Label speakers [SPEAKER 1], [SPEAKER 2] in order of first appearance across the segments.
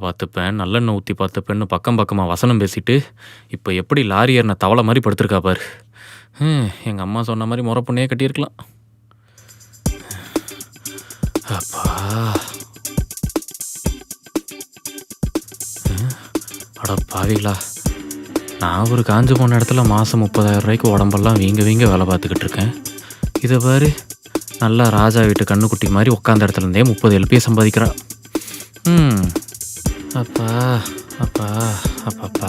[SPEAKER 1] பார்த்துப்பேன், நல்லெண்ணெய் ஊற்றி பார்த்துப்பேன்னு பக்கம் பக்கமாக வசனம் பேசிட்டு இப்போ எப்படி லாரி ஏறின தவளை மாதிரி படுத்திருக்கா பாரு. எங்கள் அம்மா சொன்ன மாதிரி முறை பொண்ணையே கட்டியிருக்கலாம். அப்பா அட பாவிகளா, நான் ஒரு காஞ்சு போன இடத்துல மாதம் 30,000 ரூபாய்க்கு உடம்பெல்லாம் வீங்க வேலை பார்த்துக்கிட்டு இருக்கேன். இதை பாரு, நல்லா ராஜா வீட்டு கண்ணுக்குட்டி மாதிரி உட்காந்த இடத்துல இருந்தே 30 LP சம்பாதிக்கிறா. அப்பா அப்பா அப்பப்பா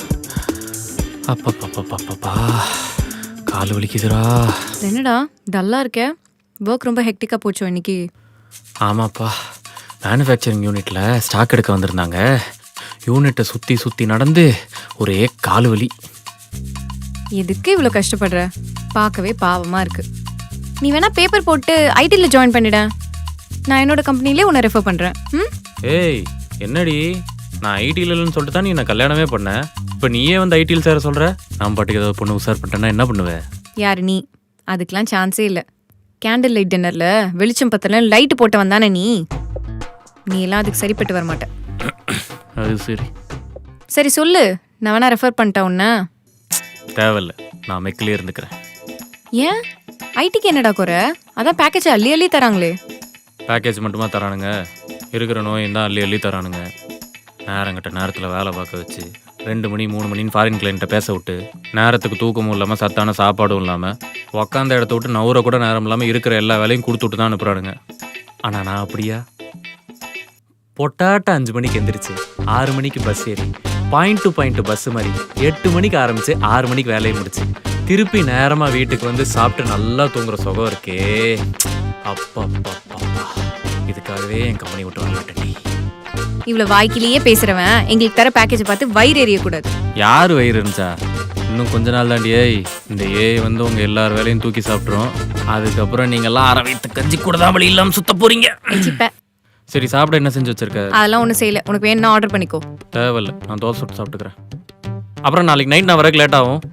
[SPEAKER 1] அப்பப்பப்பப்பப்பா கால் வலிக்குதுரா.
[SPEAKER 2] என்னடா டல்லா இருக்க? ஒர்க் ரொம்ப ஹெக்டிக்கா போச்சோ இன்னைக்கு?
[SPEAKER 1] ஆமாப்பா, மேனுஃபேக்சரிங் யூனிட்டில் ஸ்டாக் எடுக்க வந்திருந்தாங்க. யூனிட்டை சுற்றி நடந்து ஒரே கால் வலி.
[SPEAKER 2] எதுக்கு இவ்வளோ கஷ்டப்படுற? பார்க்கவே பாவமாக இருக்கு. நீ வேணா பேப்பர் போட்டு ஐடியில் ஜாயின் பண்ணிட. நான் என்னோட கம்பெனிலே உன்னை ரெஃபர் பண்ணுறேன்.
[SPEAKER 1] ஏய் என்னடி, நான் ஐடியில் இல்லைன்னு சொல்லிட்டு தான் நீ நான் கல்யாணமே பண்ணேன். இப்போ நீயே வந்து ஐடியில் சேர சொல்கிற. நான் பாட்டுக்கு ஏதாவது பொண்ணு உசார் பண்ணிட்டேன்னா என்ன பண்ணுவேன்?
[SPEAKER 2] யார் நீ? அதுக்கெலாம் சான்ஸே இல்லை. கேண்டில் லைட் டின்னரில் வெளிச்சம் பத்தல லைட்டு போட்ட வந்தானே நீ எல்லாம் அதுக்கு சரிப்பட்டு வர மாட்டேன்.
[SPEAKER 1] அது சரி
[SPEAKER 2] சரி சொல்லு, நான் வேணா ரெஃபர் பண்ணிட்டேன் உன்ன.
[SPEAKER 1] தேவையில்ல, நான் மெக்கிலே இருந்துக்கிறேன்.
[SPEAKER 2] ஏன்? ஐடிக்கு என்னடா குறை? அதான் பேக்கேஜ் அள்ளி தராங்களே.
[SPEAKER 1] பேக்கேஜ் மட்டுமா தரானுங்க? இருக்கிற நோயும் தான் அள்ளி தரானுங்க. நேரங்கிட்ட நேரத்தில் வேலை பார்க்க வச்சு 2 மணி 3 மணின்னு ஃபாரின் கிளைண்ட்டை பேச விட்டு நேரத்துக்கு தூக்கமும் இல்லாமல் சத்தான சாப்பாடும் இல்லாமல் உக்காந்த இடத்த விட்டு நவுற கூட நேரம் இல்லாமல் இருக்கிற எல்லா வேலையும் கொடுத்துட்டு தான் அனுப்புகிறானுங்க. ஆனால் நான் அப்படியா? பொட்டாட்ட 5 மணிக்கு எந்திரிச்சு 6 மணிக்கு பஸ் ஏறி பாயிண்ட் டு பாயிண்ட் பஸ் மாதிரி 8 மணிக்கு ஆரம்பிச்சு 6 மணிக்கு வேலையை முடிச்சு திருப்பி நேரமாக வீட்டுக்கு வந்து சாப்பிட்டு நல்லா தூங்குற சுகம் இருக்கே. அப்பா இதுக்காகவே என் கம்பெனி விட்டு வர மாட்டேன்.
[SPEAKER 2] இவ்வளவு வாய்க்கிலேயே பேசுறவன் எங்களுக்கு தர பேக்கேஜ் பார்த்து வயிறு எறியக்கூடாது.
[SPEAKER 1] யார் வயிறு இருந்துச்சா? இன்னும் கொஞ்ச நாள் தாண்டி இந்த வந்து உங்க எல்லார் வேலையும் தூக்கி சாப்பிட்றோம். அதுக்கப்புறம் நீங்க எல்லாம் அரை வயிற்று கஞ்சி கூட தான் வழி இல்லாம சுத்த போறீங்க. சரி சாப்பிட என்ன செஞ்சு வச்சிருக்க?
[SPEAKER 2] அதெல்லாம் ஒன்றும் செய்யல. உனக்கு வேணும்னா ஆர்டர் பண்ணிக்கோ.
[SPEAKER 1] தேவையில்ல, நான் தோசை சுட்டு சாப்பிட்டுக்கிறேன். அப்புறம் நாளைக்கு நைட் நான் வரக்கு லேட் ஆகும்.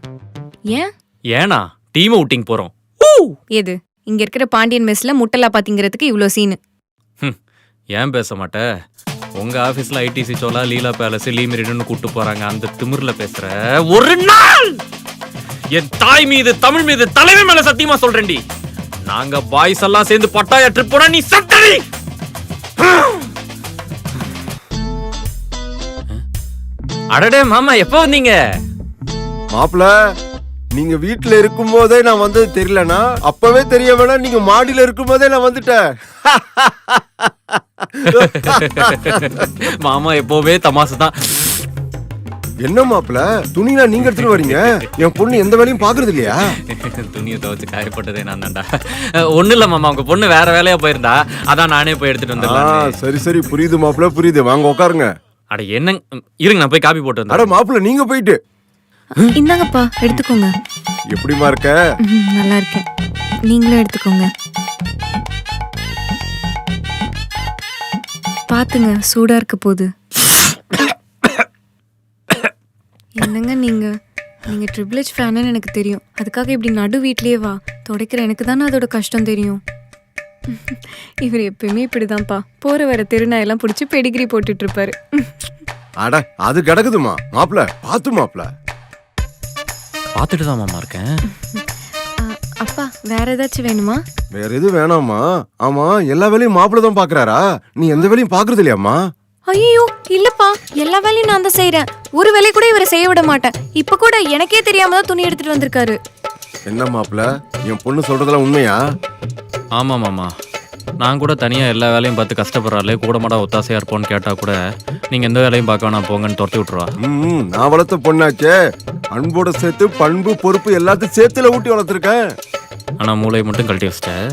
[SPEAKER 1] ஏனா டீம் அவுட்டிங் போறோம்.
[SPEAKER 2] எது இங்க இருக்கிற பாண்டியன் மெஸ்ல முட்டலா பாத்தீங்கிறதுக்கு இவ்வளோ சீனு?
[SPEAKER 1] ஏன் பேச மாட்டே? உங்க ஆபீஸ்ல ஐடிசி சோலா, லீலா பேலஸ், லீமிரிடுன்னு கூட்டு போறாங்க. அந்த திமிர்ல பேசுற ஒரு நாள் என் தாய் மீது தமிழ் மீது தலைமை மேல சத்தியமா சொல்றேன்டி, நாங்க பாய்ஸ் எல்லாம் சேர்ந்து பட்டாயா ட்ரிப் போனா நீ சத்தடி. அடடே மாமா, எப்போ வந்தீங்க?
[SPEAKER 3] மாப்பிள்ள, நீங்க வீட்டுல இருக்கும் போதே நான் வந்தது தெரியலனா அப்பவே தெரிய வேணா. நீங்க மாடியில இருக்கும் போதே நான் வந்துட்டேன்.
[SPEAKER 1] மாமா எப்பவுமே தமாசு தான்.
[SPEAKER 3] என்ன மாப்பிள்ள, துணியா நீங்க எடுத்துட்டு வரீங்க? என் பொண்ணு எந்த வேலையும் பாக்குறது இல்லையா?
[SPEAKER 1] துணியை துவைச்சு காயப்பட்டதே நான் தான்டா. ஒண்ணு இல்ல மாமா, உங்க பொண்ணு வேற வேலையா போயிருந்தா, அதான் நானே போய் எடுத்துட்டு வந்துடலாம்.
[SPEAKER 3] சரி புரியுது மாப்பிள்ள, புரியுது. வாங்க உட்காருங்க.
[SPEAKER 1] அட என்ன, இருங்க நான் போய் காபி போட்டு வந்தேன்.
[SPEAKER 3] அட மாப்பிள்ள, நீங்க போயிட்டு
[SPEAKER 2] இந்தாங்கப்பா எடுத்துக்கோங்க.
[SPEAKER 3] எப்படிமா இருக்க?
[SPEAKER 2] நல்லா இருக்கேன், நீங்களும் எடுத்துக்கோங்க. பாத்துங்க, சூடா இருக்க போகுது. என்னங்க நீங்க ட்ரிபிள் H ஃபேன்னு எனக்கு தெரியும். அதுக்காக இப்படி நடு வீட்லயே வா துடைக்கிற எனக்கு தானே அதோட கஷ்டம் தெரியும். இவர் எப்பயுமே இப்படிதான்ப்பா, போற வர திருநாயெல்லாம் பிடிச்சி பெடிகிரி போட்டுட்டு இருப்பாரு.
[SPEAKER 3] அட அது கிடக்குதுமா மாப்பிள்ள, பாத்து மாப்பிள்ள.
[SPEAKER 1] பார்த்துட்டு தான் மாமா இருக்கேன்.
[SPEAKER 2] அப்பா வேற ஏதாச்சும் வேணுமா?
[SPEAKER 3] வேற எதுவும் வேணாமா? ஆமா, எல்லா வேலையும் மாப்பிள்ள தான் பாக்குறாரா? நீ எந்த வேலையும் பாக்குறது இல்லையாமா?
[SPEAKER 2] ஐயோ இல்லப்பா, எல்லா வேலையும் நான் தான் செய்யறேன். ஒரு வேலை கூட இவரை செய்ய விட மாட்டேன். இப்ப கூட எனக்கே தெரியாம தான் துணி எடுத்துட்டு வந்திருக்காரு.
[SPEAKER 3] என்ன மாப்பிள்ள, என் பொண்ணு சொல்றதெல்லாம் உண்மையா?
[SPEAKER 1] ஆமா மாமா, நான் கூட தனியா எல்லா வேலையும் பார்த்து கஷ்டப்படுறாளே, கூட மாட ஒத்தாசையா இருப்போன்னு கேட்டா கூட நீங்க எந்த வேலையும் பார்க்க வேணாம் போங்கன்னு துரத்தி விட்டுருவா.
[SPEAKER 3] நான் வளர்த்த பொண்ணாச்சே, அன்போட சேர்த்து பண்பு பொறுப்பு எல்லாத்தையும் சேர்த்துல ஊட்டி வளர்த்துருக்கேன்.
[SPEAKER 1] ஆனா மூளையை மட்டும் கழட்டி வச்சிட்ட.